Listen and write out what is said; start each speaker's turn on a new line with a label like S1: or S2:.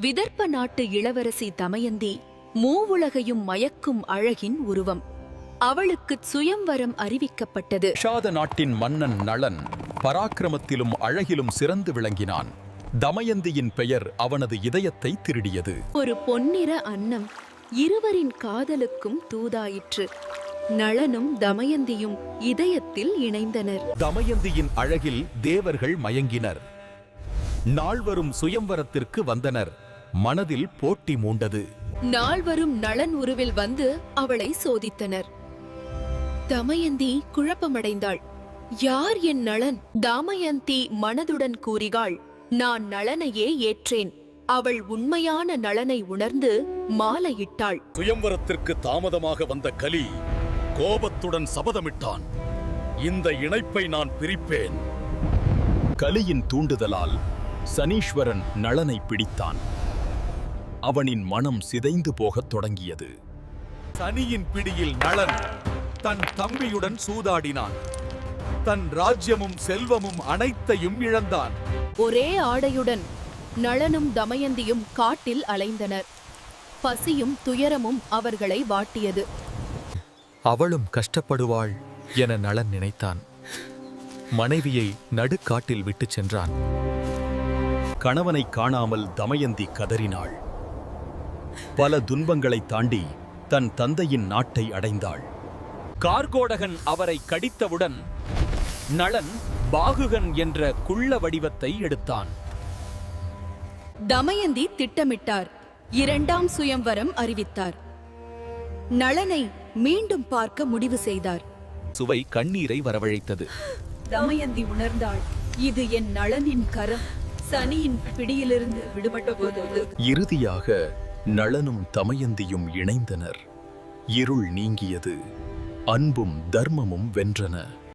S1: விதர்ப்ப நாட்டு இளவரசி தமயந்தி மூவுலகையும் மயக்கும் அழகின் உருவம். அவளுக்குச் சுயம்வரம் அறிவிக்கப்பட்டது.
S2: ஷாத நாட்டின் மன்னன் நளன் பராக்கிரமத்திலும் அழகிலும் சிறந்து விளங்கினான். தமயந்தியின் பெயர் அவனது இதயத்தை திருடியது.
S1: ஒரு பொன்னிற அன்னம் இருவரின் காதலுக்கும் தூதாயிற்று. நளனும் தமயந்தியும் இதயத்தில் இணைந்தனர்.
S2: தமயந்தியின் அழகில் தேவர்கள் மயங்கினர். நால்வரும் சுயம்வரத்திற்கு வந்தனர். மனதில் போட்டி மூண்டது.
S1: நால்வரும் நளன் உருவில் வந்து அவளை சோதித்தனர். தமயந்தி குழப்பமடைந்தாள். யார் என் நளன்? தமயந்தி மனதுடன் கூறினாள், நான் நளனையே ஏற்றேன். அவள் உண்மையான நளனை உணர்ந்து மாலையிட்டாள்.
S3: சுயம்வரத்திற்கு தாமதமாக வந்த கலி கோபத்துடன் சபதமிட்டான், இந்த இணைப்பை நான் பிரிப்பேன்.
S2: கலியின் தூண்டுதலால் சனீஸ்வரன் நளனை பிடித்தான். அவனின் மனம் சிதைந்து போகத் தொடங்கியது. சனியின் பிடியில் நளன் தன் தம்பியுடன் சூதாடினான். தன் ராஜ்யமும் செல்வமும் அனைத்தையும் இழந்தான்.
S1: ஒரே ஆடையுடன் நளனும் தமயந்தியும் காட்டில் அலைந்தனர். பசியும் துயரமும் அவர்களை வாட்டியது.
S2: அவளும் கஷ்டப்படுவாள் என நளன் நினைத்தான். மனைவியை நடுக்காட்டில் விட்டுச் சென்றான். கணவனை காணாமல் தமயந்தி கதறினாள். பல துன்பங்களை தாண்டி தன் தந்தையின் நாட்டை அடைந்தாள்.
S4: கார்கோடகன் அவரை கடித்தவுடன் நளன் பாகுகன் என்ற குள்ள வடிவத்தை எடுத்தான்.
S1: தமயந்தி திட்டமிட்டார். இரண்டாம் சுயம்வரம் அறிவித்தார். நளனை மீண்டும் பார்க்க முடிவு செய்தார்.
S2: சுவை கண்ணீரை வரவழைத்தது.
S1: தமயந்தி உணர்ந்தாள், இது என் நளனின் கரம் சனியின் பிடியிலிருந்து விடுபட்ட போது.
S2: இறுதியாக நளனும் தமயந்தியும் இணைந்தனர். இருள் நீங்கியது. அன்பும் தர்மமும் வென்றன.